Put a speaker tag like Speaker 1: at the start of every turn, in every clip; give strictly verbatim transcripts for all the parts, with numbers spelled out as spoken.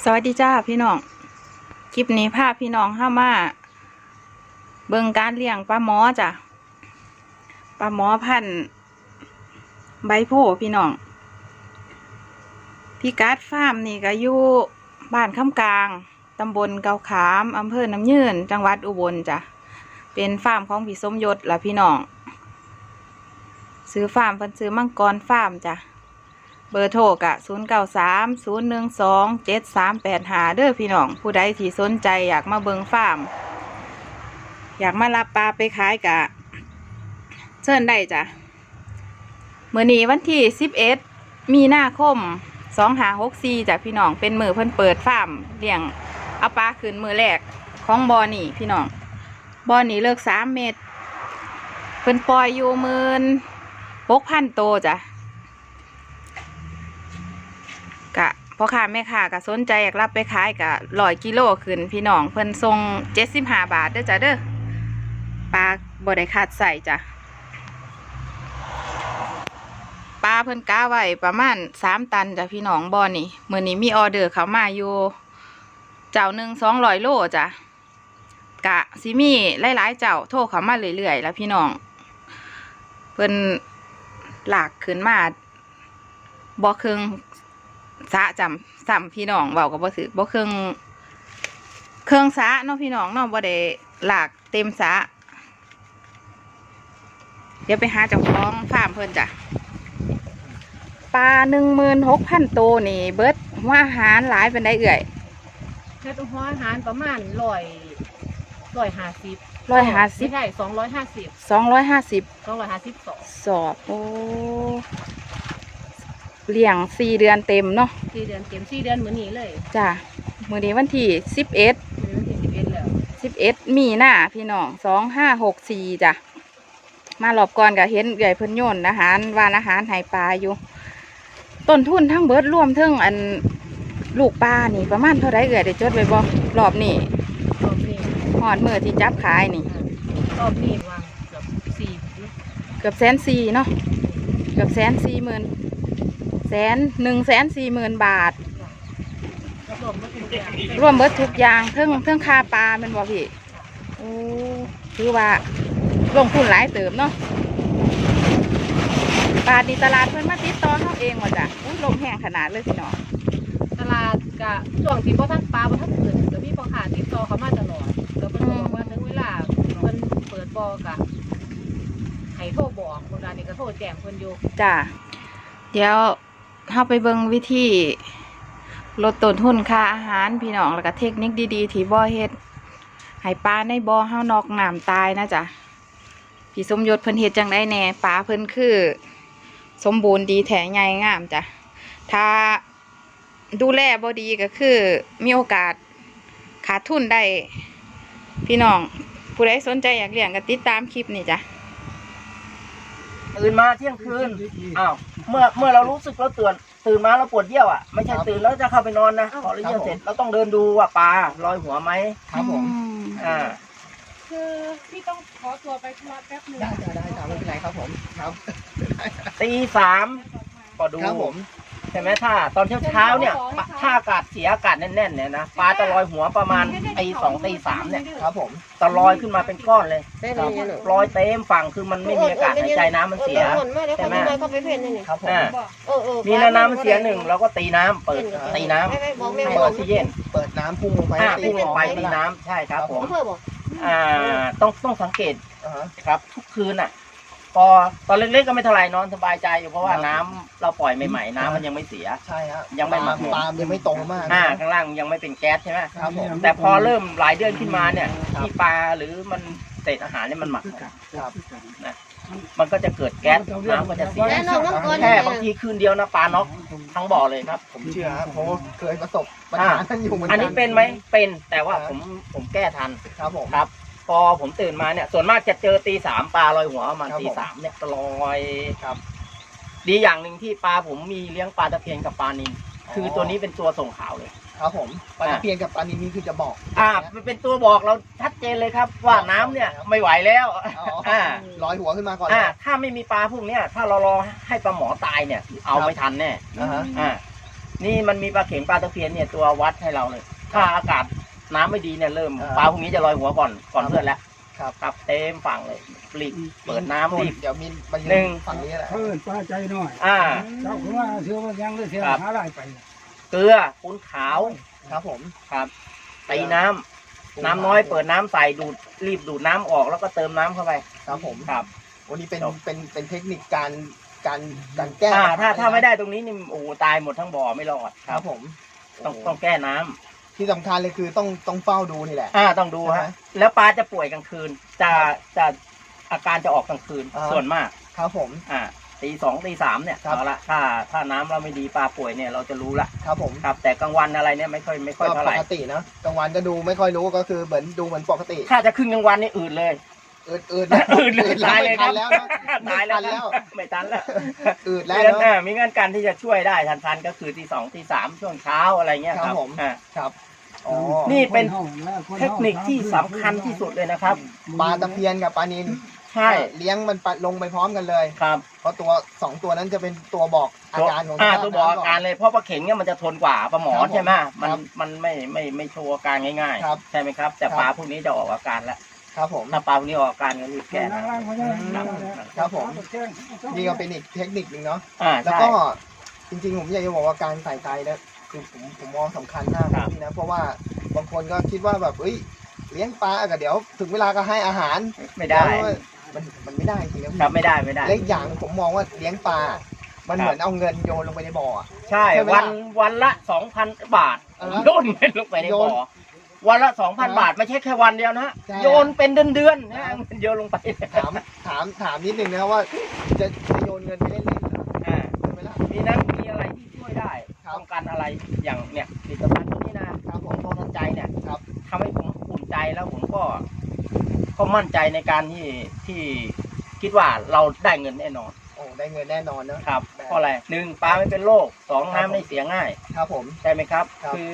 Speaker 1: สวัสดีจ้าพี่น้องคลิปนี้พาพี่น้องเข้ามาเบิ่งการเลี้ยงปลาหมอจ้ะปลาหมอพันธุ์ใบโพพี่น้องพี่กัดฟาร์มนี่ก็อยู่บ้านคำกลางตำบลเกาขามอำเภอน้ำยืนจังหวัดอุบลจ้ะเป็นฟาร์มของพี่สมยศล่ะพี่น้องซื้อฟาร์มเพิ่นซื้อมังกรฟาร์มจ้ะเบอร์โทรกะศูนย์เก้าสามศูนย์หนึ่งสองเจ็ดสามแปดห้าเด้อพี่น้องผู้ใดที่สนใจอยากมาเบิงฟาร์มอยากมารับปลาไปขายกะเชิญได้จ้ะเมื่อนี้วันที่สิบเอ็ดมีนาคมสองห้าหกสี่จ้ะพี่น้องเป็นมือเพิ่นเปิดฟาร์มเลี้ยงเอาปลาขึ้นมือแรกของบ่อนี่พี่น้องบ่อนี่เลิกสามเมตรเพิ่นปล่อยอยู่หมื่นหกพันโตจ้ะกะพ่อค้าแม่ค้าก็สนใจอยากรับไปขายกะร้อยกิโลขึ้นพี่น้องเพิ่นส่งเจ็ดสิบห้าบาทเด้อจ้ะเด้อปลาบ่ได้ขาดใส่จ้ะปลาเพิ่นกะไว้ประมาณสามตันจ้ะพี่น้องบ่อนี่มื้อนี้มีออเดอร์เข้ามาอยู่เจ้าหนึ่งสองร้อยโลจ้ะกะสิมีหลายๆเจ้าโทรเข้ามาเรื่อยๆแล้วพี่น้องเพิ่นหลากขึ้นมาบ่ครึ่งสะจำซ้ำพี่น้องเว้าก็บ่ถือบ่เครื่องเครื่องสะเนาะพี่น้องเนาะบ่ได้หลากเต็มสะเดี๋ยวไปหาเจ้าของฟาร์มเพิ่นจ้ะปลาหนึ่งหมื่นหกพันตัวนี่เบิดหัวอาหารหลายเป็นได้เอื่อย
Speaker 2: เฮ็ดหัวอาหารประมาณร้อยร้อยห้าสิบ
Speaker 1: ร้อยห้าสิบ
Speaker 2: ใช่สองร้อยห้าสิบ
Speaker 1: สองร้อยห้าสิบ
Speaker 2: สองร้อยห้าสิบสอง
Speaker 1: สอบโอ้เลี้ยงสี่เดือนเต็มเนาะ
Speaker 2: สี่เดือนเต็มสี่เดือนเหมือนนี้เลย
Speaker 1: จ้ะมื้อนี้วันที่สิบเอ็ด
Speaker 2: วันที่สิบเอ็ดแล้ว
Speaker 1: สิบเอ็ดมีนาพี่น้องสองห้าหกสี่จ้ะมาหลบก่อนก็เห็นใหญ่เพิ่นโยนอาหารวานอาหารให้ปลาอยู่ต้นทุนทั้งเบิดรวมทั้งอันลูกปลานี่ประมาณเท่าไรเอ่ยได้จดไว้บ่รอบนี้
Speaker 2: รอบนี้
Speaker 1: หอดมือที่จับขายนี่
Speaker 2: รอบนี้วางเกือบสี่
Speaker 1: เกือบแสนสี่เนาะเกือบแสนสี่หมื่นแสนหนึ่งแสนสี่หมื่นบาทรวมเบิดทุกอย่างเพิ่งเพิ่งค่าปลาเป็นบ่พี่โอ้คือว่าลงทุนหลายเติมเนาะปลาดีตลาดเพิ่นมาติดต่อเขาเองหมดจ้ะลงแห้งขนาดเลยพี่น้อง
Speaker 2: ตลาดกะช่วงที่บ่ทันปลาบ่ทันเปิดก็มีพ่อค้าติดต่อเขามาตลอดก็เพิ่นบอกว่าถึงเวลาเพิ่นเปิดบ่อกะให้โทรบอกคนนั้นนี่ก็โทรแจ้งเพิ่นอยู่
Speaker 1: จ้ะเดี๋ยวเข้าไปเบิ่งวิธีลดต้นทุนค่าอาหารพี่น้องแล้วก็เทคนิคดีๆที่บ่อเฮ็ดให้ปลาในบ่อเฮานอกน้ำตายนะจ๊ะพี่สมยศเพิ่นเฮ็ดจังได๋แน่ปลาเพิ่นคือสมบูรณ์ดีแท้ใหญ่งามจ้ะถ้าดูแลบ่ดีก็คือมีโอกาสขาดทุนได้พี่น้องผู้ใดสนใจอยากเลี้ยงก็ติดตามคลิปนี้จ้ะ
Speaker 3: ตื่นมาเที่ยงคืนอ้าวเมื่อเมื่อเรารู้สึกเราตื่นตื่นมาเราปวดเยี่ยวอ่ะไม่ใช่ตื่นแล้วจะเข้าไปนอนนะพอเราเยี่ยวเสร็จเราต้องเดินดูว่าปลาลอยหัวไหม
Speaker 1: ครับผม
Speaker 3: อ่า
Speaker 2: คือพี่ต้องขอตัวไปธุระแป๊บนึง
Speaker 4: ได้ได้ได้ไม่เป็นไรครับผมครับ
Speaker 3: ตีสามก็ดู
Speaker 4: ครับผม
Speaker 3: ใช่ไหมถ้าตอนเช้าเช้าเนี่ยถ้าอากาศเสียอากาศแน่นๆเนี่ยนะปลาจะลอยหัวประมาณตีสองตีสามเนี่ย
Speaker 4: ครับผม
Speaker 3: จะลอยขึ้นมาเป็นก้อนเลยลอยเต็มฝั่งคือมันไม่มีอากาศหายใจน้ำมันเสียใช่ไหม
Speaker 4: ครับผม
Speaker 3: มีน้ำมันเสียหนึ่งเราก็ตีน้ำเปิดตีน้ำให้ออกซิเจน
Speaker 4: เปิดน้ำพุ่งลงไป
Speaker 3: พุ่งลงไปตีน้ำใช่ครับผมอ่าต้องต้องสังเกตครับทุกคืนอ่ะพอตอนเล็กๆก็ไม่เท่าไรนอนสบายใจอยู่เพราะว่าน้ำเราปล่อยใหม่ๆน้ำมันยังไม่เสีย
Speaker 4: ใช่ฮะ
Speaker 3: ยังไม่หมักหมด
Speaker 4: ปลายังไม่โตมาก
Speaker 3: อ่าข้างล่างยังไม่เป็นแก๊สใช่ไหมครับผมแต่พอเริ่มหลายเดือนขึ้นมาเนี่ยที่ปลาหรือมันเศษอาหารเนี่ยมันหมัก
Speaker 4: ครับ
Speaker 3: นะมันก็จะเกิดแก๊สน้ำก็จะเสียแค่บางทีคืนเดียวนะปลาน็อกทั้งบ่อเลยครับ
Speaker 4: ผมเชื่อเพราะเคยประสบปัญหาท่านอยู่เหมือนกัน
Speaker 3: อันนี้เป็นไหมเป็นแต่ว่าผมผมแก้ทัน
Speaker 4: ครับผม
Speaker 3: ครับพอผมตื่นมาเนี่ยส่วนมากจะเจอตีสามปลาลอยหัวประมาณตีสามเนี่ยลอยครับดีอย่างหนึ่งที่ปลาผมมีเลี้ยงปลาตะเพียนกับปลานิลคือตัวนี้เป็นตัวส่งข่าวเลย
Speaker 4: ครับผมปลาตะเพียนกับปลานิลนี่คือจะบอก
Speaker 3: อ่ามันเป็นตัวบอกเราชัดเจนเลยครับว่าน้ำเนี่ยไม่ไหวแล้ว
Speaker 4: อ่าลอยหัวขึ้นมาก่อน
Speaker 3: อ่าถ้าไม่มีปลาพวกเนี้ยถ้าเรารอให้ปลาหมอตายเนี่ยเอาไม่ทันแน่อ่านี่มันมีปลาเข็งปลาตะเพียนเนี่ยตัววัดให้เราเลย ถ้าอากาศน้ำไม่ดีเนี่ยเริ่ม
Speaker 4: อ่า
Speaker 3: ปลาพวกนี้จะลอยหัวก่อนก่อนเพื่อนแล้ว
Speaker 4: ครับ
Speaker 3: ครับเต็มฝั่งเลยรีบเปิดน้ำรีบ
Speaker 4: เดี๋ยวมีมายื
Speaker 3: หนึ่ง
Speaker 4: ฝั่งนี้แหละ
Speaker 5: เพิ่นปลาใจน้อย
Speaker 3: อ่า
Speaker 5: เจ้าคือว่าเชื่อว่ายังเลยเสีย
Speaker 3: ครับ
Speaker 5: หาได้ไป
Speaker 3: เกลือปูนขาว
Speaker 4: ครับผม
Speaker 3: ครับตีน้ำน้ำน้อยเปิดน้ำใส่ดูดรีบดูดน้ำออกแล้วก็เติมน้ำเข้าไป
Speaker 4: ครับผม
Speaker 3: ครับ
Speaker 4: วันนี้เป็น
Speaker 3: จบ
Speaker 4: เป็นเป็นเทคนิคการการการแก้
Speaker 3: อ่าถ้า
Speaker 4: ปัญห
Speaker 3: ถ้าไม่ได้ตรงนี้นี่โอ้โหตายหมดทั้งบ่อไม่รอด
Speaker 4: ครับผม
Speaker 3: ต้อง
Speaker 4: โอ้
Speaker 3: ต้องแก้น้ำ
Speaker 4: ที่สำคัญเลยคือต้องต้องเฝ้าดูนี่แหละ
Speaker 3: อ่าต้องดู
Speaker 4: ใช่ไหม
Speaker 3: ฮะแล้วปลาจะป่วยกลางคืน จะจะอาการจะออกกลางคืน
Speaker 4: อ่า
Speaker 3: ส่วนมาก
Speaker 4: ครับผม
Speaker 3: อ่าตีสองตีสามเนี่ย
Speaker 4: ครับ
Speaker 3: เอาละถ้าถ้าน้ำเราไม่ดีปลาป่วยเนี่ยเราจะรู้ละ
Speaker 4: ครับผม
Speaker 3: ครับ แต่กลางวันอะไรเนี่ยไม่ค่อยไม่ค่
Speaker 4: ก็
Speaker 3: อยเท่าไห
Speaker 4: ป
Speaker 3: ร่
Speaker 4: กติเนอะกลางวันก็ดูไม่ค่อยรู้ก็คือเหมือนดูเหมือนปกติ
Speaker 3: ถ้าจะขึ้นกลางวันนี่อืดเลย
Speaker 4: อืดอืด
Speaker 3: อืดเลยตายเลยครับ
Speaker 4: แล้วนะ
Speaker 3: ตายแล้ว
Speaker 4: ไม่ทันแล้ว
Speaker 3: ไม่ทันแล้ว
Speaker 4: อืดแล้ว
Speaker 3: มีเงื่อน
Speaker 4: เนาะ
Speaker 3: อ่ามีเงื่อนการที่จะช่วยได้ทันๆก็คือตีสองตีสามช่วงเช้าอะไรเงี้ย
Speaker 4: ครับผม
Speaker 3: อ่า
Speaker 4: ครับอ๋อ
Speaker 3: นี่เป็น เทคนิคที่สำคัญที่สุดเลยนะครับ
Speaker 4: ปลาตะเพียนกับปลานิล
Speaker 3: ใช่
Speaker 4: เลี้ยงมันปะลงไปพร้อมกันเลย
Speaker 3: ครับ
Speaker 4: เพราะตัวสองตัวนั้นจะเป็นตัวบอกอาการของ
Speaker 3: อ่า
Speaker 4: สภพ
Speaker 3: ตัวบอกอาการ
Speaker 4: น้ำ
Speaker 3: เลยเพราะปลาเข็งเนี่ยมันจะทนกว่าปลาหมอ
Speaker 4: ครับผม
Speaker 3: ใช่ไหมมัน
Speaker 4: ครับ
Speaker 3: มันไม่ไม่ไม่โชว์อาการง่าย
Speaker 4: ครับ
Speaker 3: ๆ ใช่ไหมครับ แต่
Speaker 4: ครับ
Speaker 3: ปลาพวกนี้จะออกอาการแล้ว
Speaker 4: ครับผม
Speaker 3: ถ้าปลาพวกนี้ออกอาการก็รีบแก้นะ
Speaker 4: ครับผม นี่ก็เป็นอีกเทคนิคหนึ่งเนาะ
Speaker 3: อ่า
Speaker 4: แล้ว
Speaker 3: ใช่
Speaker 4: ก็จริงๆผมอยากจะบอกว่าการใส่ใจนะคือผมผมมองสำคัญมาก
Speaker 3: ครับ
Speaker 4: นี่นะเพราะว่าบางคนก็คิดว่าแบบเอ้ยเลี้ยงปลาก็เดี๋ยว ถึงเวลาก็ให้อาหาร
Speaker 3: ไม่ได้
Speaker 4: แล้วมันมันไม่ได้จริงนะพี่
Speaker 3: ครับไม่ได้ไม่ได้
Speaker 4: และอีกอย่างผมมองว่าเลี้ยงปลา มัน
Speaker 3: ครับ
Speaker 4: เหมือนเอาเงินโยนลงไปในบ่ออะ
Speaker 3: ใช่
Speaker 4: ใช่ไหม
Speaker 3: วัน
Speaker 4: ล่ะ
Speaker 3: วันละสองพันบาท
Speaker 4: อ่าฮะ
Speaker 3: โยนเงินลงไปใน
Speaker 4: โยน
Speaker 3: บ่อวันละสองพัน
Speaker 4: อ่าฮะ
Speaker 3: บาทไม่ใช่แค่วันเดียวนะ
Speaker 4: ใช่
Speaker 3: โยนเป็นเดือนๆนะเงินโยนลงไป
Speaker 4: ถามถามถามนิดนึงนะครับว่าจะจะโยนเงินไปเล่นๆเหรอ
Speaker 3: อ่า
Speaker 4: ใช่ไหมล่ะ
Speaker 3: มีนั้นมีอะไรที่ช่วยได้
Speaker 4: ครับ
Speaker 3: ป้องกันอะไรอย่างเนี่ยผลิตภัณฑ์ตัวนี้นะครับ
Speaker 4: ผ
Speaker 3: ขอ
Speaker 4: ม
Speaker 3: งโทนันใจเนี่ย
Speaker 4: ครับ
Speaker 3: ทำให้ผมอุ่นใจแล้วผมก็ก็มั่นใจในการที่ที่คิดว่าเราได้เงินแน่นอน
Speaker 4: โอ้ได้เงินแน่นอนเนอะ
Speaker 3: ครับ
Speaker 4: ได้
Speaker 3: เพราะอะไรหนึ่งปลาไม่เป็นโรคสอง
Speaker 4: ครับ
Speaker 3: น้ำไม่เสียง่าย
Speaker 4: ครับผม
Speaker 3: ใช่ไหมครับ
Speaker 4: ครับ
Speaker 3: คือ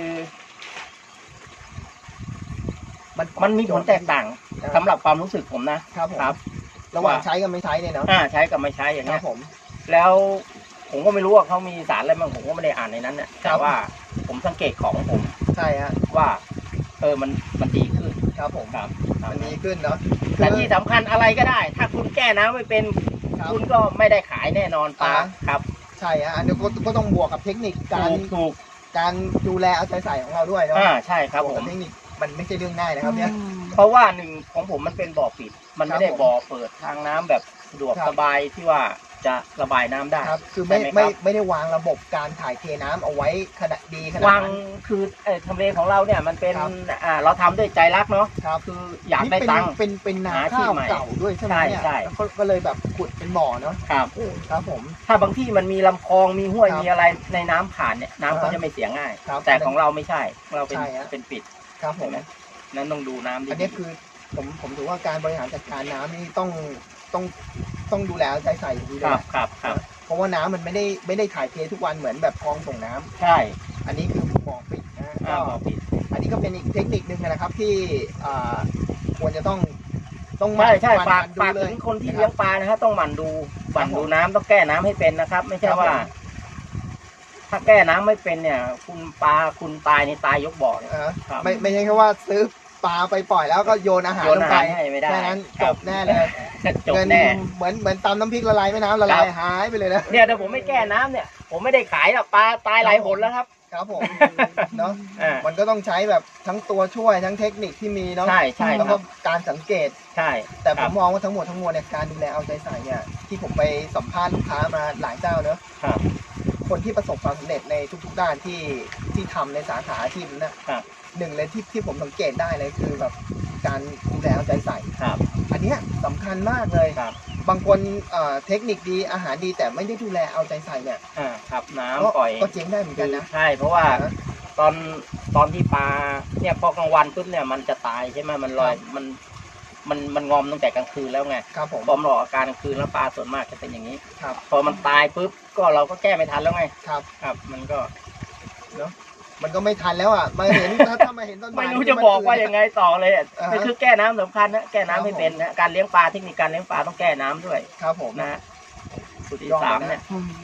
Speaker 4: มัน
Speaker 3: มันมีผลแตกต่าง
Speaker 4: อ่า
Speaker 3: สำหรับความรู้สึกผมนะครับ
Speaker 4: ผม
Speaker 3: ครับ
Speaker 4: ระหว่างใช้กับไม่ใช้เนี่ยเนาะ
Speaker 3: อ่าใช้กับไม่ใช้อย่าง
Speaker 4: ครั
Speaker 3: เงี้
Speaker 4: บ
Speaker 3: ย
Speaker 4: ผม
Speaker 3: แล้วผมก็ไม่รู้ว่าเขามีสารอะไรบ้างผมก็ไม่ได้อ่านในนั้นเนี่ย
Speaker 4: ครั
Speaker 3: แต่
Speaker 4: บ
Speaker 3: ว่าผมสังเกตของผม
Speaker 4: ใช่ฮะ
Speaker 3: ว่า เออมันมันดีขึ้น
Speaker 4: ครับผม
Speaker 3: ครับ
Speaker 4: มันดีขึ้นเนาะ
Speaker 3: แต่ที่สำคัญอะไรก็ได้ ถ้าคุณแก้น้ำไม่เป็น
Speaker 4: ครับ
Speaker 3: คุณก็ไม่ได้ขายแน่นอนปลา
Speaker 4: อ่า
Speaker 3: ครับ
Speaker 4: ใช่ฮะอันนี้ก็ก็ต้องบวกกับเทคนิคการ
Speaker 3: ถูกถูก
Speaker 4: การดูแลเอาใจใส่ของเราด้วยเนาะ
Speaker 3: อ่าใช่ครับ
Speaker 4: บว
Speaker 3: ผ
Speaker 4: กกั
Speaker 3: ม
Speaker 4: บเทคนิคมันไม่ใช่เรื่องง่ายนะครับเนี่ย
Speaker 3: เพราะว่าหนึ่งของผมมันเป็นบ่อปิด มันไม่ได้
Speaker 4: ครับผม
Speaker 3: บ่อเปิดทางน้ำแบบสะดวก
Speaker 4: ครับ
Speaker 3: สบายที่ว่าจะระบายน้ำได้
Speaker 4: ครับคือไม่
Speaker 3: ใช่ไหม
Speaker 4: ไม่
Speaker 3: ครับ
Speaker 4: ไม่ได้วางระบบการถ่ายเทน้ำเอาไว้ขนาดดีขนาด
Speaker 3: วาง
Speaker 4: นั้น
Speaker 3: คือเอ่อทำเลของเราเนี่ยมันเป็น
Speaker 4: ครับ
Speaker 3: อ่าเราทำด้วยใจรักเนาะ
Speaker 4: ครับ
Speaker 3: คืออยาก
Speaker 4: นี่
Speaker 3: ได้
Speaker 4: เป็น
Speaker 3: ตังค์
Speaker 4: เป็นเป็นนา
Speaker 3: หาที่
Speaker 4: ข้าว
Speaker 3: ใหม่
Speaker 4: เก่าด้วยใช่ไหม
Speaker 3: ใช่
Speaker 4: เนี่ย
Speaker 3: ใช่
Speaker 4: แล้วก็ก็เลยแบบขุดเป็นบ่อเนาะ
Speaker 3: ครับ
Speaker 4: ครับผม
Speaker 3: ถ้าบางที่มันมีลำคลองมีห้วย
Speaker 4: ครับ
Speaker 3: มีอะไรในน้ำผ่านเนี่ยน้ำก็
Speaker 4: อ่าฮะ
Speaker 3: จะไม่เสียง่าย
Speaker 4: ครับ
Speaker 3: แต่ของเราไม่ใช่ของเราเป็น
Speaker 4: ใช่ฮะ
Speaker 3: เป็นปิด
Speaker 4: ครับผม
Speaker 3: เห็นไหมนั้นต้องดูน้ำดี
Speaker 4: อันนี้คือผมผมถือว่าการบริหารจัดการน้ำนี่ต้องต้องต้องดูแลเอาใจใส่อย่างดี
Speaker 3: ค
Speaker 4: เลย
Speaker 3: รับ
Speaker 4: นะครับ
Speaker 3: ครับ
Speaker 4: เพราะว่าน้ำมันไม่ได้ไม่ได้ถ่ายเททุกวันเหมือนแบบคลองส่งน้ำ
Speaker 3: ใช่
Speaker 4: อันนี้คือบ่อปิดนะ
Speaker 3: อ่า
Speaker 4: ก็
Speaker 3: บ่อปิด
Speaker 4: อันนี้ก็เป็นอีกเทคนิคนึงนะครับที่อ่าควรจะต้องต้องห
Speaker 3: ใช่
Speaker 4: มั่น
Speaker 3: ใช่
Speaker 4: หมั่น
Speaker 3: ฝาก
Speaker 4: ดู
Speaker 3: ฝาก
Speaker 4: เล
Speaker 3: ถึ
Speaker 4: ย
Speaker 3: งคนที่
Speaker 4: นะ
Speaker 3: เลี้
Speaker 4: รั
Speaker 3: ย
Speaker 4: บ
Speaker 3: งปลานะครับต้องหมั่นดูหมั่น
Speaker 4: ครับผม
Speaker 3: ดูน้ำต้องแก้น้ำให้เป็นนะครับ ไม่ใช่
Speaker 4: ครับ
Speaker 3: ว่า
Speaker 4: ผม
Speaker 3: ถ้าแก้น้ำไม่เป็นเนี่ย คุณปลาคุณตายในตายยกบ่อเนี่ย
Speaker 4: อ่า
Speaker 3: ครับ
Speaker 4: ไม่ไม่ใช่แค่ว่าซื้อปลาไปปล่อยแล้วก็โยนอาหาร
Speaker 3: โยน
Speaker 4: ลง
Speaker 3: อา
Speaker 4: ไป
Speaker 3: หารให้ไม่ได้
Speaker 4: แค่นั้น
Speaker 3: ค
Speaker 4: จ
Speaker 3: รับบ
Speaker 4: แน่เลย
Speaker 3: จบ
Speaker 4: เงิน
Speaker 3: แน่
Speaker 4: เหมือนเหมือนตำน้ำพริกละลายแม่น้ำละลาย
Speaker 3: ครับ
Speaker 4: หายไปเลยนะ
Speaker 3: เนี่ยถ้าผมไม่แก้น้ำเนี่ย ผมไม่ได้ขายหรอกปลาตายหลายหนแล้วครับ
Speaker 4: ครับผมเนาะ
Speaker 3: อ่า
Speaker 4: มันก็ต้องใช้แบบทั้งตัวช่วยทั้งเทคนิคที่มีเนาะ
Speaker 3: ใช่ใช่
Speaker 4: แล้ว
Speaker 3: ค
Speaker 4: ก็
Speaker 3: รับ
Speaker 4: การสังเกต
Speaker 3: ใช่
Speaker 4: แต่ผ
Speaker 3: ครั
Speaker 4: ม
Speaker 3: บ
Speaker 4: มองว่าทั้งหมดทั้งมวลเนี่ยการดูแลเอาใจใส่เนี่ยที่ผมไปสัมภาษณ์ลูกค้ามาหลายเจ้าเนอะ
Speaker 3: ครับ
Speaker 4: คนที่ประสบความสำเร็จในทุกๆด้านที่ที่ทำในสาขาอาชีพนั้นนะครับ หนึ่งเลยที่ที่ผมสังเกตได้เลยคือแบบการดูแลเอาใจใส่
Speaker 3: ครับ
Speaker 4: อันเนี้ยสำคัญมากเลย
Speaker 3: ครับ
Speaker 4: บางคนเอ่อเทคนิคดีอาหารดีแต่ไม่ได้ดูแลเอาใจใส่เนี่ย
Speaker 3: อ่าครับน้ำ
Speaker 4: ก็
Speaker 3: ปล่อย
Speaker 4: ก็เจ๊งได้เหมือนกันนะ
Speaker 3: ใช่เพราะว่า
Speaker 4: นะ
Speaker 3: ตอนตอนที่ปลาเนี่ยพอกลางวันปุ๊บเนี่ยมันจะตายใช่ไหมมันลอย
Speaker 4: ครับ
Speaker 3: มันมันมันงอมตั้งแต่กลางคืนแล้วไง
Speaker 4: ครับผม
Speaker 3: พอมันออกอาการกลางคืนแล้วปลาส่วนมากจะเป็นอย่างนี้
Speaker 4: ครับ
Speaker 3: พอมันตายปุ๊บก็เราก็แก้ไม่ทันแล้วไง
Speaker 4: ครับ
Speaker 3: ครับ มันก็
Speaker 4: มันก็ไม่ทันแล้วอ่ะมาเห็น ถ้าถ้ามาเห็นต้นไม้
Speaker 3: ไม่รู้จะบอกว่ายังไงต่อเลยอะ
Speaker 4: อ่าฮะ
Speaker 3: นี่คือแก้น้ำสำคัญนะแก้น้ำให้
Speaker 4: ครับผม
Speaker 3: เป็นนะการเลี้ยงปลาเทคนิคการเลี้ยงปลาต้องแก้น้ำด้วย
Speaker 4: ครับผม
Speaker 3: นะสุดที่
Speaker 4: ยอด
Speaker 3: สาม
Speaker 4: เลยนะ
Speaker 3: เนี่ย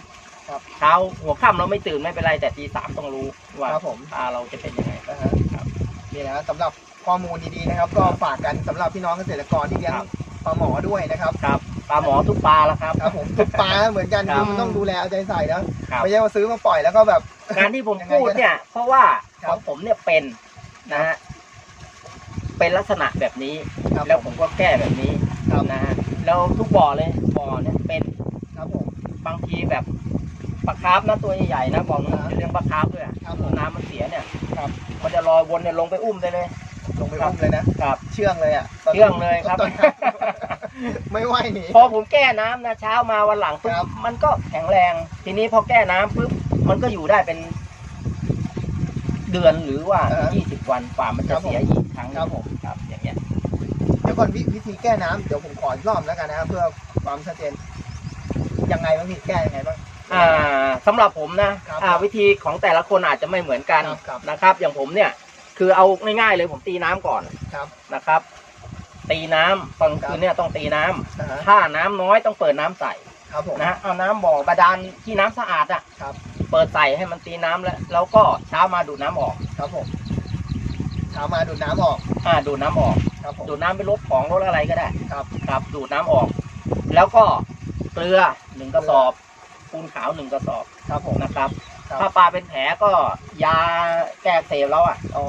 Speaker 4: ครับ
Speaker 3: เช้าหัวค่ำเราไม่ตื่นไม่เป็นไรแต่ตีสามต้องรู้ว่า
Speaker 4: ครับผม
Speaker 3: ปลาเราจะเป็นยังไง
Speaker 4: นะฮะ
Speaker 3: ครับ
Speaker 4: นี่นะสำหรับข้อมูลดีๆนะครับ ก็ฝากกันสำหรับพี่น้องเกษตรกรที่เลี้ยง
Speaker 3: ครับ
Speaker 4: ปลาหมอด้วยนะครับ
Speaker 3: ครับปลาหมอทุกปลาแล้วครับ
Speaker 4: ครับผมทุกปลาเหมือนกัน
Speaker 3: ครั
Speaker 4: คื
Speaker 3: บ
Speaker 4: อมันต้องดูแลเอาใจใส่นะครับ ไม่ใช่ว่าซื้อมาปล่อยแล้วก็แบบ
Speaker 3: การที่ผมพูดเนี่ย เพราะว่า
Speaker 4: ครั
Speaker 3: ข
Speaker 4: บ
Speaker 3: องผมเนี่ยเป็นนะฮะเป็นลักษณะแบบนี้
Speaker 4: ครับ
Speaker 3: แล้วผมก็แก้แบบนี้
Speaker 4: ครับ
Speaker 3: นะฮะแล้วทุกบ่อเลยบ่อเนี่ยเป็น
Speaker 4: ครับผม
Speaker 3: บางทีแบบปลาคาร์ฟนะตัวใหญ่ๆนะบอก
Speaker 4: ครั
Speaker 3: นะ
Speaker 4: บ
Speaker 3: เลี้ยงปลาคาร์ฟด้วยอะ
Speaker 4: ครับผม
Speaker 3: น้ำมันเสียเนี่ย
Speaker 4: ครับ
Speaker 3: มันจะลอยวนเนี่ยลงไปอุ้มได้เลย
Speaker 4: ลงไปอุ้มเลยนะครับ เชื่องเลยอ่ะตน
Speaker 3: เชื่องเลยครับ
Speaker 4: ตอนไม่ไหวหนี
Speaker 3: พอผมแก้น้ำนะเช้ามาวันหลังปุ๊
Speaker 4: ครับ บ
Speaker 3: มันก็แข็งแรง ทีนี้พอแก้น้ำปุ๊บมันก็อยู่ได้เป็นเดือนหรือว่ายี่สิบวันกว่ามันจะเสียอีกครั้งหนึ่ง
Speaker 4: ครับผม
Speaker 3: ครับอย่างเงี้ย
Speaker 4: เดี๋ยวก่อนวิวิธีแก้น้ำเดี๋ยวผมขออีกรอบแล้วกันนะครับเพื่อความชัดเจนยังไงบ้างพี่แก้ยังไงบ้าง
Speaker 3: อ่าสำหรับผมนะครับ อ่าวิธีของแต่ละคนอาจจะไม่เหมือนกัน
Speaker 4: ครับครับ
Speaker 3: นะครับ อย่างผมเนี่ย คือเอาง่ายๆเลยผมตีน้ำก่อน
Speaker 4: ครับ
Speaker 3: นะครับ ตีน้ำตอนคืนเนี่ยต้องตีน้ำ
Speaker 4: นะฮะ
Speaker 3: ถ้าน้ำน้อยต้องเปิดน้ำใส่
Speaker 4: ครับผม
Speaker 3: นะเอาน้ำบ่อบาดาลที่น้ำสะอาดอ่ะ
Speaker 4: ครับ
Speaker 3: เปิดใส่ให้มันตีน้ำแล้ว แล้วก็เช้ามาดูดน้ำออก
Speaker 4: ครับผมเช้ามาดูดน้ำออก
Speaker 3: อ่าดูดน้ำออก
Speaker 4: ครับผม
Speaker 3: ดูดน้ำไปลบของลดอะไรก็ได้
Speaker 4: ครับ
Speaker 3: ครับดูดน้ำออก แล้วก็เกลือหนึ่งกระสอบปูนขาวหนึ่งกระสอบ
Speaker 4: ครับผม
Speaker 3: นะครับ
Speaker 4: ครับ
Speaker 3: ถ้าปลาเป็นแผลก็ยาแก้อักเสบแล้วอ่ะ
Speaker 4: อ๋อบ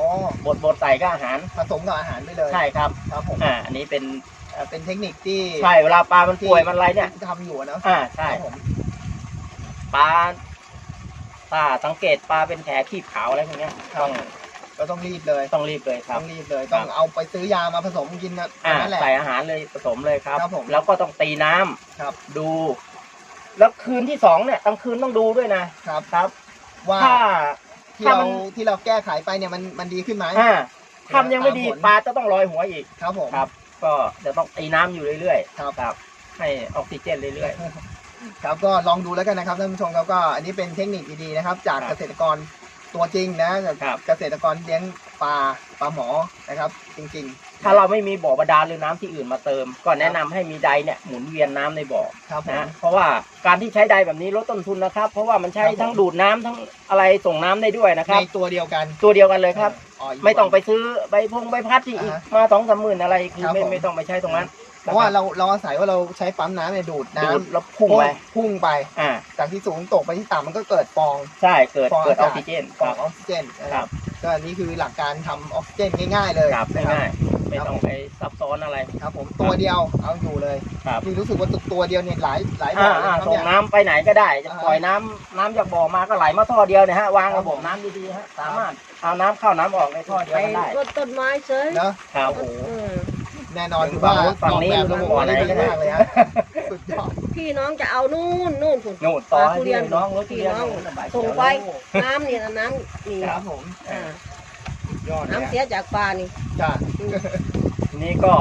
Speaker 3: ดบดใส่ก็อาหาร
Speaker 4: ผสมกับอาหารไปเลย
Speaker 3: ใช่ครับ
Speaker 4: ครับผม
Speaker 3: อ่าอันนี้เป็น
Speaker 4: เอ่อเป็นเทคนิคที่
Speaker 3: ใช่เวลาปลามันป่วยมันอะไรเนี่ย
Speaker 4: ที่ทำอยู่อะเนอะ
Speaker 3: อ่าใช่
Speaker 4: ครับผม
Speaker 3: ปลาปลาสังเกตปลาเป็นแผลขีบขาวอะไรพวกเนี้ยต้อง
Speaker 4: ก็ต้องรีบเลย
Speaker 3: ต้องรีบเลยครั
Speaker 4: ต้
Speaker 3: บ
Speaker 4: องรีบเลย ต้องเอาไปซื้อยามาผสมกินนะ
Speaker 3: อ่า
Speaker 4: นั่นแหละ
Speaker 3: ใส่อาหารเลยผสมเลยครับ
Speaker 4: ครับผม
Speaker 3: แล้วก็ต้องตีน้ำ
Speaker 4: ครับ
Speaker 3: ดู แล้วคืนที่สองเนี่ยกลางคืนต้องดูด้วยนะครับ ครับ
Speaker 4: ว่า
Speaker 3: ถ้า
Speaker 4: ที่
Speaker 3: ถ้า
Speaker 4: เรา
Speaker 3: มัน
Speaker 4: ที่เราแก้ไขไปเนี่ยมันมันดีขึ้นไหม
Speaker 3: อ่าทำยังไม่ดี
Speaker 4: ตามผล
Speaker 3: ปลาจะต้องลอยหัวอีก
Speaker 4: ครับผม
Speaker 3: ครับ ก็จะต้องตีน้ำอยู่เรื่อย
Speaker 4: ครับ
Speaker 3: ๆครับ ให้ออกซิเจนเรื่อย
Speaker 4: ครับก็ลองดูแล้วกันนะครับท่านผู้ชมครับก็อันนี้เป็นเทคนิคดีๆนะครับ จาก
Speaker 3: ครับ
Speaker 4: เกษตรกรตัวจริงนะ
Speaker 3: ครับ
Speaker 4: เกษตรกรเลี้ยงปลาปลาหมอนะครับ จริง
Speaker 3: ๆ ถ้าเราไม่มีบ่อบาดาลหรือน้ำที่อื่นมาเติม ก็แนะนำให้มีไดเนี่ยหมุนเวียนน้ำในบ่อ
Speaker 4: ๆ ครับผม
Speaker 3: นะเพราะว่าการที่ใช้ไดแบบนี้ลดต้นทุนนะครับ เพราะว่ามันใช้
Speaker 4: ครับผม
Speaker 3: ทั้งดูดน้ำทั้งอะไรส่งน้ำได้ด้วยนะค
Speaker 4: ใน
Speaker 3: รับ
Speaker 4: ตัวเดียวกัน
Speaker 3: ตัวเดียวกันเลยครับ
Speaker 4: อ๋ก
Speaker 3: ไม่ต้องไปซื้อใบพงใบพัดที่อีก
Speaker 4: อ่าฮะ
Speaker 3: มาสองสามหมื่นอะไรคือ
Speaker 4: ครับ
Speaker 3: ไม่
Speaker 4: ผม
Speaker 3: ไม่ต้องไปใช้ตรงนั้น
Speaker 4: เพราะว่าเราเราอาศัยว่าเราใช้ปั๊มน้ำเนี่ยดูดน้
Speaker 3: ดูดแล้วพุ่งไป
Speaker 4: ำพุ่งไป
Speaker 3: อ่า
Speaker 4: จากที่สูงตกไปที่ต่ำมันก็เกิดฟอง
Speaker 3: ใช่เกิด
Speaker 4: ฟอง
Speaker 3: เกิดอ
Speaker 4: อา
Speaker 3: อก
Speaker 4: กาศ
Speaker 3: ซิเจน
Speaker 4: ฟ
Speaker 3: ค
Speaker 4: อง
Speaker 3: รับ
Speaker 4: ออกซิเจนนะ
Speaker 3: ค
Speaker 4: ค
Speaker 3: รั
Speaker 4: รับ บก็อันนี้คือหลักการทำออกซิเจนง่ายๆเลย
Speaker 3: ครับ
Speaker 4: นะครั
Speaker 3: ง่ายๆไม่ต้องไปซับซ้อนอะไร
Speaker 4: ครับผมตัวเดียวเอาอยู่เลย
Speaker 3: ครับ
Speaker 4: นี่รู้สึกว่าตัวเดียวเนี่ยหลายหลายบ่
Speaker 3: อ่า
Speaker 4: อเลย
Speaker 3: อ่า
Speaker 4: ครับ
Speaker 3: ส่ง
Speaker 4: เนี่ย
Speaker 3: น้ำไปไหนก็ได้จะ
Speaker 4: อ่า
Speaker 3: ปล่อยน้ำน้ำจากบ่อมาก็ไหลมาท่อเดียวเนี่ยฮะวาง
Speaker 4: ครั
Speaker 3: ระ
Speaker 4: บ
Speaker 3: บบน้ำดีๆฮะสามารถเอาน้ำเข้าน้ำออกในท่อเดียว
Speaker 2: ไป
Speaker 3: กันได้
Speaker 2: รดต้นไม้เฉย
Speaker 4: เนอะ
Speaker 3: ครับ
Speaker 4: โอ้โห
Speaker 2: เออ
Speaker 4: แน่นอนคือว่า
Speaker 3: ฝั่งนี้
Speaker 4: ออกแบบ
Speaker 3: ฝั่งนี้
Speaker 4: ระบบได้ดีมากเลยฮะสุดยอด
Speaker 2: พี่น้องจะเอานู่นนู่นคุณ
Speaker 3: นู่นต่อให้
Speaker 2: ทุ
Speaker 3: พี่
Speaker 2: เรียน
Speaker 3: น้องรถทุ
Speaker 2: พี่
Speaker 3: เรียน
Speaker 2: น้อง
Speaker 3: สบาย
Speaker 2: ส่ง
Speaker 3: เขียว
Speaker 2: ไป
Speaker 3: แล้ว
Speaker 2: น้ำนี่นะน้ำนี่
Speaker 4: ครับผม
Speaker 2: อ่า
Speaker 4: สุดยอดเลย
Speaker 2: น้ำ
Speaker 4: อะ
Speaker 2: เสียจากปลานี่
Speaker 4: จ้ะ
Speaker 3: ทีนี้ก็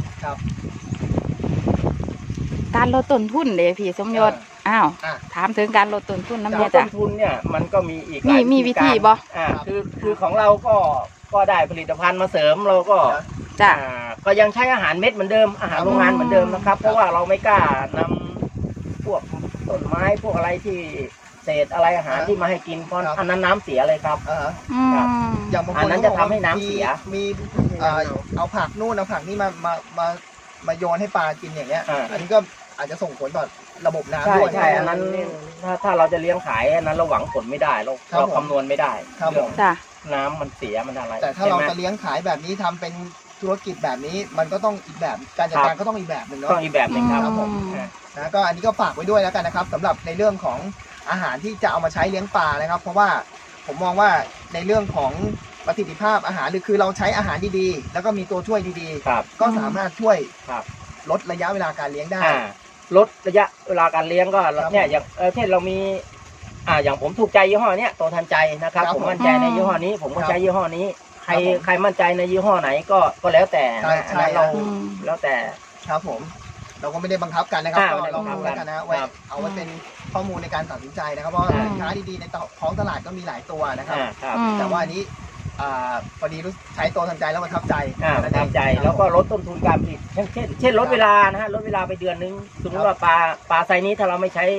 Speaker 1: การลดต้นทุนเด้พี่สมยศอ้าว
Speaker 4: อ่ะ
Speaker 1: ถามถึงการลดต้นทุนน้ำ
Speaker 3: จา
Speaker 1: เนี่
Speaker 3: ก
Speaker 1: ย
Speaker 3: ต้
Speaker 1: จ้ะ
Speaker 3: นทุนเนี่ยมันก็มีอีกห
Speaker 1: มี
Speaker 3: ลาย
Speaker 1: มีวิธีบ่
Speaker 3: อ่า
Speaker 4: ครับ
Speaker 3: คือคือของเราก็ก็ได้ผลิตภัณฑ์มาเสริมเราก็
Speaker 1: จ้ะ
Speaker 3: อ่าก็ยังใช้อาหารเม็ดเหมือนเดิมอาหารโรงงานเหมือนเดิมนะครับ เพราะว่าเราไม่กล้านำพวกต้นไม้พวกอะไรที่เศษอะไรอาหารที่มาให้กินเพราะ
Speaker 4: ครับ
Speaker 3: อันนั้นน้ำเสียเลยครับ
Speaker 4: อ่าฮะ
Speaker 1: อืม
Speaker 3: ครับ
Speaker 4: อย่างบางค
Speaker 3: อัน
Speaker 4: น
Speaker 3: นั้นจะทำให้น้ำเสีย
Speaker 4: มีเอ่อเอาผักนู่นเอาผักนี่มามามามาโยนให้ปลากินอย่างเงี้ย
Speaker 3: อ่า
Speaker 4: อันนี้ก็อาจจะส่งผลต่อระบบน้ำ
Speaker 3: ใช่
Speaker 4: ด้วย
Speaker 3: ใช่อันนั้นถ้าถ้าเราจะเลี้ยงขายอันนั้นเราหวังผลไม่ได้เรา
Speaker 4: ครับ
Speaker 3: เรา
Speaker 4: ผม
Speaker 3: คำนวณไม่ได้
Speaker 4: ครับผม
Speaker 1: จ้ะ
Speaker 3: น้ำมันเสียมันอะไร
Speaker 4: แต่ถ้าเรา
Speaker 3: ใช่ไหม
Speaker 4: จะเลี้ยงขายแบบนี้ทำเป็นธุรกิจแบบนี้ มันก็ต้องอีกแบบการจัดการก็ต้องอีกแบบหนึ่งเนาะ
Speaker 3: ต้องอีกแบบหนึ่งครับ
Speaker 4: ครับผม
Speaker 3: อ่า
Speaker 4: นะก็อันนี้ก็ฝากไว้ด้วยแล้วกันนะครับสำหรับในเรื่องของอาหารที่จะเอามาใช้เลี้ยงปลานะครับ เพราะว่าผมมองว่าในเรื่องของประสิทธิภาพอาหารหรือคือเราใช้อาหารดีๆ แล้วก็มีตัวช่วยดี
Speaker 3: ครับ
Speaker 4: ๆ ก็สามารถช่วย
Speaker 3: ครับ
Speaker 4: ลดระยะเวลาการเลี้ยงได้
Speaker 3: อ่าลดระยะเวลาการเลี้ยงก็
Speaker 4: ครับ
Speaker 3: เนี่ยอย่างเออเช่นเรามีอ่าอย่างผมถูกใจยี่ห้อเนี้ยตัวทันใจนะครับ
Speaker 4: ครับ
Speaker 3: ผมมั่นใจในยี่ห้อนี้ ผมก็
Speaker 4: ครับ
Speaker 3: ใช้ยี่ห้อนี้ ใคร
Speaker 4: ครับผม
Speaker 3: ใครมั่นใจในยี่ห้อไหนก็ก็แล้วแต่
Speaker 4: ใช่
Speaker 3: นะอัน
Speaker 4: ใช่
Speaker 3: นั้นเรา
Speaker 1: อืม
Speaker 3: แล้วแต่
Speaker 4: ครับผม เราก็ไม่ได้บังคับกันนะครับ
Speaker 3: อ่า
Speaker 4: ก็
Speaker 3: ไม่ได้
Speaker 4: ล
Speaker 3: บั
Speaker 4: อง
Speaker 3: งคับ
Speaker 4: ดูแล้วกันนะไว้
Speaker 3: ครับ
Speaker 4: เอาไว้เป็นข้อมูลในการตัดสินใจนะครับเพราะว่า
Speaker 3: อ่า
Speaker 4: สินค้าดีๆในท้องตลาดก็มีหลายตัวนะครับ
Speaker 3: อ่าครับ
Speaker 1: อืม
Speaker 4: แต่ว่าอันนี้อ่าพอดีรู้ใช้ตัวทันใจแล้วประทับใจ
Speaker 3: อ่าประทับใจแล้วก็ลดต้นทุนการผลิตเช่นเช่นเช่นลดเวลานะฮะลดเวลาไปเดือนนึงสมมติว่าปลาปลาไซส์นี้ถ้าเราไม่ใช้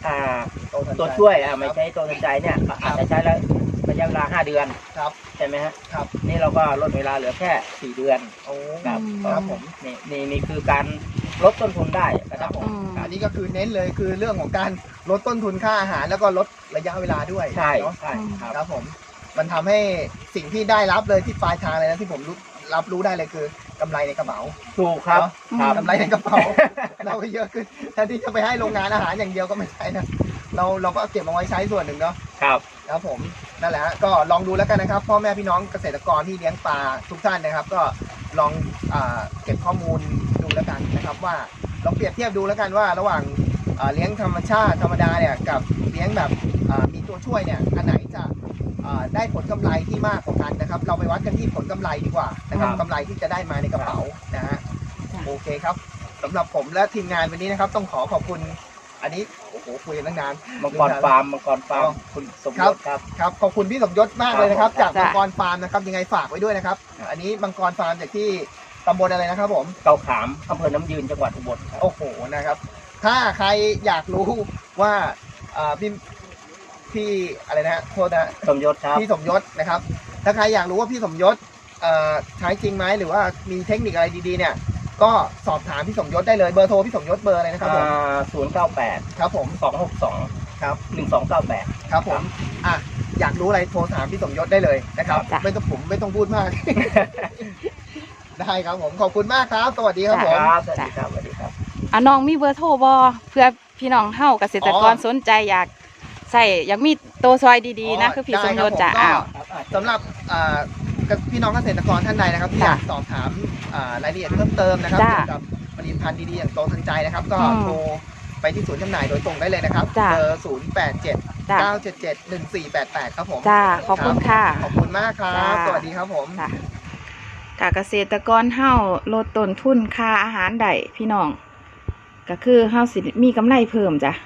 Speaker 3: อ่า
Speaker 4: ตัวทันใจ
Speaker 3: ตัวช่วยอ่ะไม่ใช่ตัวทันใจเนี่ยอาจจะใช้แล้วระยะเวลาห้าเดือน
Speaker 4: ครับ
Speaker 3: ใช่ไหมฮะ
Speaker 4: ครับ
Speaker 3: นี่เราก็ลดเวลาเหลือแค่สี่เดือน
Speaker 4: โอ้
Speaker 3: ครับ
Speaker 4: ครับผม
Speaker 3: นี่นี่นี่คือการลดต้นทุนได้นะครับผม
Speaker 1: อืม
Speaker 4: อันนี้ก็คือเน้นเลยคือเรื่องของการลดต้นทุนค่าอาหารแล้วก็ลดระยะเวลาด้วย
Speaker 3: ใช่
Speaker 4: เนาะ
Speaker 3: ใช่ครับ
Speaker 4: ครับผมมันทำให้สิ่งที่ได้รับเลยที่ปลายทางเลยนะที่ผมรู้รับรู้ได้เลยคือกำไรในกระเป๋า
Speaker 3: ถูกครับ
Speaker 4: เนอะ
Speaker 3: ครับ
Speaker 4: กำไรในกระเป๋า เราก็เยอะขึ้นแทนที่จะไปให้โรงงานอาหารอย่างเดียวก็ไม่ใช่นะเราเราก็เก็บเอาไว้ใช้ส่วนหนึ่งเนาะ
Speaker 3: ครับ
Speaker 4: ครับผมนั่นแหละฮะก็ลองดูแล้วกันนะครับพ่อแม่พี่น้องเกษตรกรที่เลี้ยงปลาทุกท่านนะครับ ก็ลองอาเก็บข้อมูลดูแล้วกันนะครับ ว่าลองเปรียบเทียบดูแล้วกันว่าระหว่างอ่าเลี้ยงธรรมชาติธรรมดาเนี่ยกับเลี้ยงแบบอ่ามีตัวช่วยเนี่ยอันไหนจะอ่าได้ผลกำไรที่มากกว่ากันนะครับ เราไปวัดกันที่ผลกำไรดีกว่านะครับ
Speaker 3: ครับ
Speaker 4: กำไรที่จะได้มาในกระเป๋านะฮะโอเคครับสำหรับผมและทีมงานวันนี้นะครับ ต้องขอขอบคุณ อันนี้โอ้โหคุยกันตั้งนาน
Speaker 3: มังกรฟาร์มมังกรฟาร์ม
Speaker 4: อ๋อ
Speaker 3: คุณสม
Speaker 4: ครั
Speaker 3: ย
Speaker 4: บ
Speaker 3: ศครับ
Speaker 4: ครับขอบคุณพี่สมยศมากเลยนะครับ
Speaker 3: ครับ
Speaker 4: จากมังกรฟาร์มนะครับยังไงฝากไว้ด้วยนะครับ
Speaker 3: ครับ
Speaker 4: อันนี้มังกรฟาร์มจากที่ตำบลอะไรนะครับผม
Speaker 3: เกาขามอำเภอน้ำยืนจังหวัดอุบลครับ
Speaker 4: โอ้โหนะครับ ถ้าใครอยากรู้ว่าอ่าพี่พี่อะไรนะฮะโทษนะ
Speaker 3: สมยศครับ
Speaker 4: พี่สมยศนะครับ ถ้าใครอยากรู้ว่าพี่สมยศเอ่อใช้จริงไหมหรือว่ามีเทคนิคอะไรดีๆเนี่ย ก็สอบถามพี่สมยศได้เลยเบอร์โทรพี่สมยศเบอร์อะไรนะครับผม
Speaker 3: ศูนย์เก้าแปด
Speaker 4: ครับผม
Speaker 3: สองหกสอง
Speaker 4: ครับ
Speaker 3: หนึ่งสองเก้าแปด
Speaker 4: ครับผมอ่ะอยากรู้อะไรโทรถามพี่สมยศได้เลยนะครับ
Speaker 1: จ้ะ
Speaker 4: ไม่ต้องผมไม่ต้องพูดมาก ได้ครับผมขอบคุณมากครับ สวัสดีครับผม
Speaker 3: ครับสวัสดีครับสวัสดีครับ
Speaker 1: อ่ะน้องมีเบอร์โทรบอเพื่อพี่น้องเฮาเกษตรกร
Speaker 4: อ๋อ
Speaker 1: สนใจอยากใส่อยากมีตัวซอยดีๆนะคือพี่สมยศจ้ะ
Speaker 4: ได้
Speaker 1: อ้าว
Speaker 4: ครับผมก็สำหรับอ่าพี่น้องเกษตรกรท่านใดนะครับที่อ
Speaker 1: จ้ะ
Speaker 4: ยากสอบถามอ่ารายละเอียดเพิ่มเติมนะครับ
Speaker 1: จ้ะ
Speaker 4: เกี่ยวกับผลิตภัณฑ์ดีๆอย่างโตทันใจนะครับ ก็
Speaker 1: อืม
Speaker 4: โทรไปที่ศูนย์จำหน่ายโดยตรงได้เลยนะครับ
Speaker 1: จ้ะ
Speaker 4: เบอร์ศูนย์แปดเจ็ด
Speaker 1: จ้ะ
Speaker 4: เก้าเจ็ดเจ็ดหนึ่งสี่แปดแปดครับผม
Speaker 1: จ้าขอบคุณค่ะ
Speaker 4: ขอบคุณมากครับ
Speaker 1: จ้ะ
Speaker 4: สวัสดีครับผม
Speaker 1: ค่ะกเกษตรกรเฮาลดต้นทุนค่าอาหารได้พี่น้องก็คือเฮาสิมีกำไรเพิ่มจ้ะ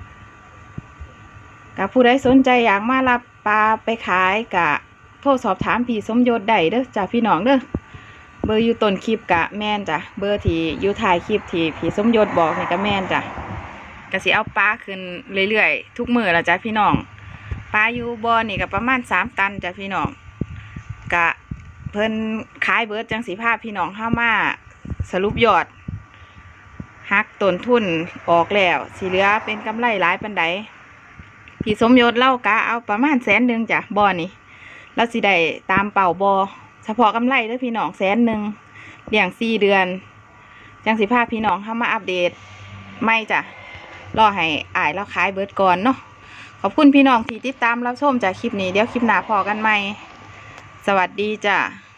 Speaker 1: กับผู้ใดสนใจอยากมารับปลาไปขายกะโทรสอบถามพี่สมยศได้เด้อจ้ะพี่น้องเด้อเบอร์อยู่ต้นคลิปกะแม่นจ้ะเบอร์ที่อยู่ท้ายคลิปที่พี่สมยศบอกนี่ก็แม่นจ้ะก็สิเอาปลาขึ้นเรื่อยๆทุกมื้อละจ้ะพี่น้องปลาอยู่บ่อนี่ก็ประมาณสามตันจ้ะพี่น้องกะเพิ่นขายเบิดจังสีภาพพี่น้องเข้ามาสรุปยอดหักต้นทุนออกแล้วสีเหลือเป็นกำไรหลายปันใดพี่สมยศเล่ากะเอาประมาณแสนหนึ่งจ้ะบ่อนี่แล้วสิได้ตามเป่าบอเฉพาะกำไรเด้อพี่น้องแสนหนึ่งเลี้ยงสี่เดือนจังสีภาพพี่น้องเข้ามาอัปเดตไม่จ้ะรอให้อ่ายแล้วขายเบิดก่อนเนาะขอบคุณพี่น้องที่ติดตามรับชมจากคลิปนี้เดี๋ยวคลิปหน้าพอกันใหม่สวัสดีจ้ะ